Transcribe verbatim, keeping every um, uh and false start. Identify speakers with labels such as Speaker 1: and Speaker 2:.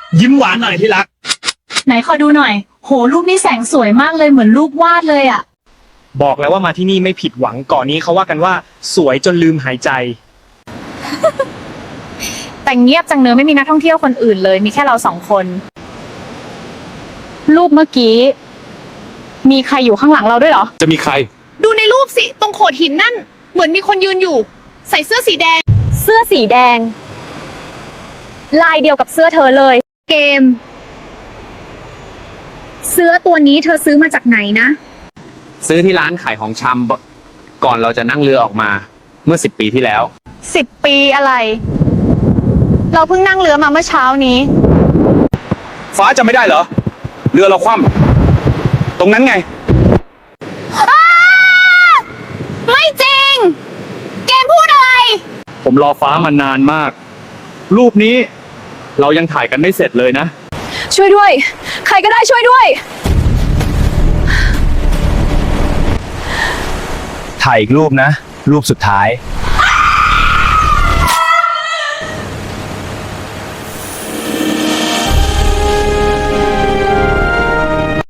Speaker 1: ยิ้มหวานหน่อยที่รัก
Speaker 2: ไหนขอดูหน่อยโหรูปนี้แสงสวยมากเลยเหมือนรูปวาดเลยอ่ะ
Speaker 1: บอกแล้วว่ามาที่นี่ไม่ผิดหวังก่อนนี้เขาว่ากันว่าสวยจนลืมหายใจ
Speaker 2: แต่เงียบจังเนอะไม่มีนักท่องเที่ยวคนอื่นเลยมีแค่เราสองคนรูปเมื่อกี้มีใครอยู่ข้างหลังเราด้วยเหรอ
Speaker 3: จะมีใคร
Speaker 4: ดูในรูปสิตรงโขดหินนั่นเหมือนมีคนยืนอยู่ใส่เสื้อสีแดง
Speaker 2: เสื้อสีแดงลายเดียวกับเสื้อเธอเลย
Speaker 4: เกมเสื้อตัวนี้เธอซื้อมาจากไหนนะ
Speaker 3: ซื้อที่ร้านขายของชำก่อนเราจะนั่งเรือออกมาเมื่อสิบปีที่แล้ว
Speaker 2: สิบปีอะไรเราเพิ่งนั่งเรือมาเมื่อเช้านี้
Speaker 3: ฟ้าจำไม่ได้เหรอเรือเราคว่ำตรงนั้นไง
Speaker 4: ไม่จริงเกมพูดอะไร
Speaker 3: ผมรอฟ้ามานานมากรูปนี้เรายังถ่ายกันไม่เสร็จเลยนะ
Speaker 2: ช่วยด้วยใครก็ได้ช่วยด้วย
Speaker 5: ถ่ายอีกรูปนะรูปสุดท้าย